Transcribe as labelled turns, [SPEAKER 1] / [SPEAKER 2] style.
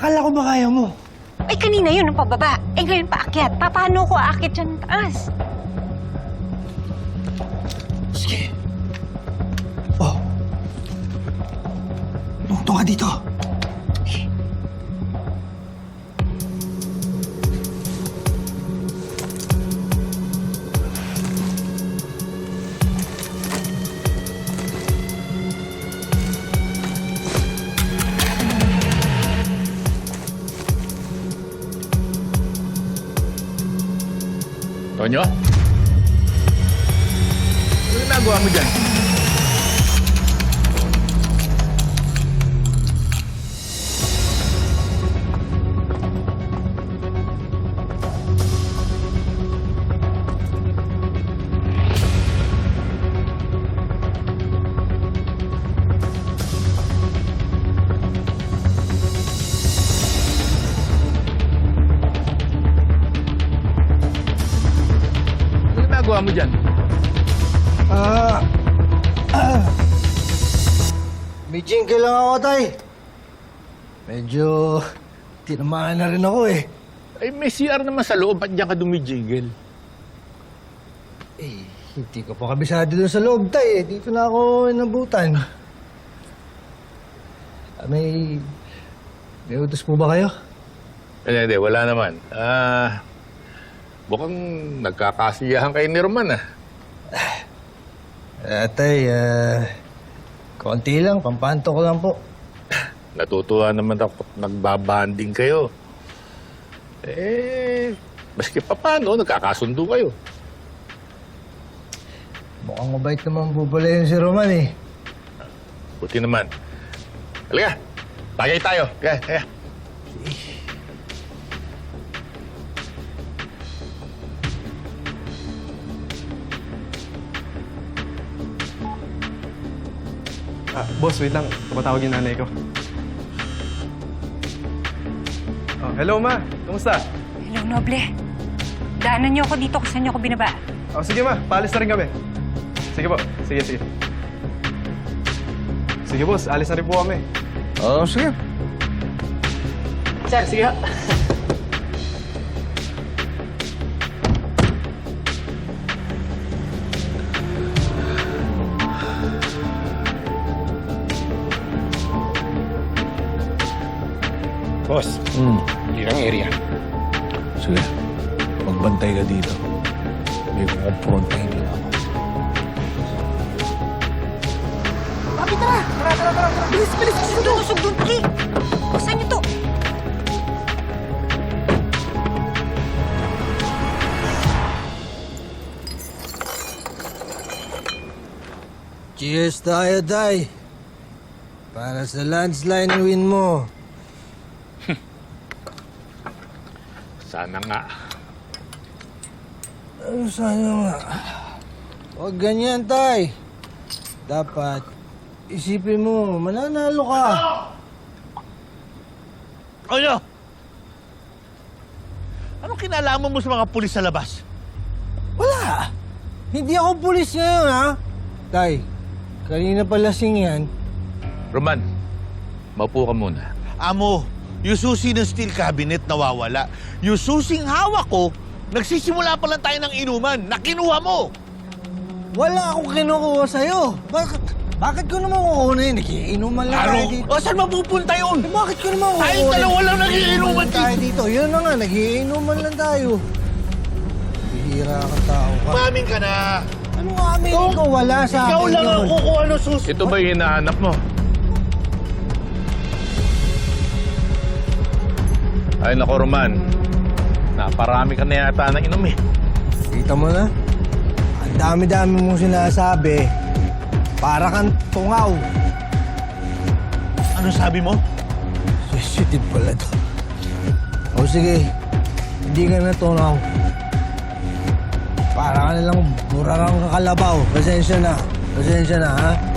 [SPEAKER 1] Akala ko ba kaya mo?
[SPEAKER 2] Ay, kanina yun ang pababa. Eh, ngayon paakyat. Paano ko aakyat dyan taas?
[SPEAKER 1] Sige. Oh. Tungtong ka dito.
[SPEAKER 3] Tonyo? Ano ginagawa mo dyan? Ano ginagawa mo dyan?
[SPEAKER 1] May jingle lang ako, tay. Medyo tinamaan na rin ako eh.
[SPEAKER 3] Ay, may CR naman sa loob. Ba't diyan ka dumijigil?
[SPEAKER 1] Eh, hindi ko pa kabisado doon sa loob, tay eh. Dito na ako inabutan. May utos po ba kayo?
[SPEAKER 3] Hindi, wala naman. Mukhang nagkakasiyahan kayo ni Roman, ah.
[SPEAKER 1] Tay, konti lang. Pampanto ko lang po.
[SPEAKER 3] Natutuwa naman ako at nagbabanding kayo. Maski pa paano, nagkakasundo kayo.
[SPEAKER 1] Mukhang mabait naman po pala yun si Roman eh.
[SPEAKER 3] Buti naman. Halika, tagay tayo. Kaya.
[SPEAKER 4] Boss, wait lang. Tumatawag yung nanay ko. Oh, hello, Ma. Kumusta?
[SPEAKER 2] Hello, Noble. Daanan niyo ako dito kung saan niyo ako binaba.
[SPEAKER 4] Oh, sige, Ma. Paalis na rin kami. Sige po. Sige. Sige, boss. Alis na rin po kami.
[SPEAKER 3] Oo, sige.
[SPEAKER 4] Sir, sige.
[SPEAKER 3] Boss, hirang area.
[SPEAKER 5] Sige, magbantay ka dito. May kukumprontahin lang ako.
[SPEAKER 2] Papi, tara! Tara! Bilis! Usog doon, pali! Saan niyo to?
[SPEAKER 1] Cheers tayo, tay. Para sa landslide win mo.
[SPEAKER 3] Sana nga.
[SPEAKER 1] Sana nga. Huwag ganyan, tay. Dapat isipin mo, mananalo ka.
[SPEAKER 6] Ano? Anong kinalaman mo sa mga pulis sa labas?
[SPEAKER 1] Wala. Hindi ako pulis ngayon, ha? Tay, kanina pa lasing yan.
[SPEAKER 3] Roman, maupo ka muna.
[SPEAKER 6] Amo, yung susi ng steel cabinet nawawala. Yung susing hawak ko, nagsisimula pa lang tayo ng inuman. Nakinuha mo!
[SPEAKER 1] Wala akong kinukuha sa'yo. Bakit ko naman kukunin? Nagiinuman lang tayo dito.
[SPEAKER 6] O, saan mapupunta yun?
[SPEAKER 1] Bakit ko naman kukunin?
[SPEAKER 6] Tayong dalawa lang nagiinuman
[SPEAKER 1] tayo dito. Yun na nga, nagiinuman lang tayo. Bihira ka tao ka.
[SPEAKER 6] Maming ka na.
[SPEAKER 1] Ano nga aminin ko? Wala sa akin
[SPEAKER 6] Ikaw lang ang
[SPEAKER 1] yun.
[SPEAKER 6] kukuha ng susi.
[SPEAKER 3] Ito ba yung hinahanap mo? Ay, nako, Roman. Naparami ka na yata ng inom eh.
[SPEAKER 1] Kita mo na? Ang dami-dami mong sinasabi. Para kang tungaw.
[SPEAKER 6] Ano sabi mo?
[SPEAKER 1] Sensitive pala to. O sige, hindi ka na tungaw. Para ka nilang burarang kakalabaw. Pasensya na, ha?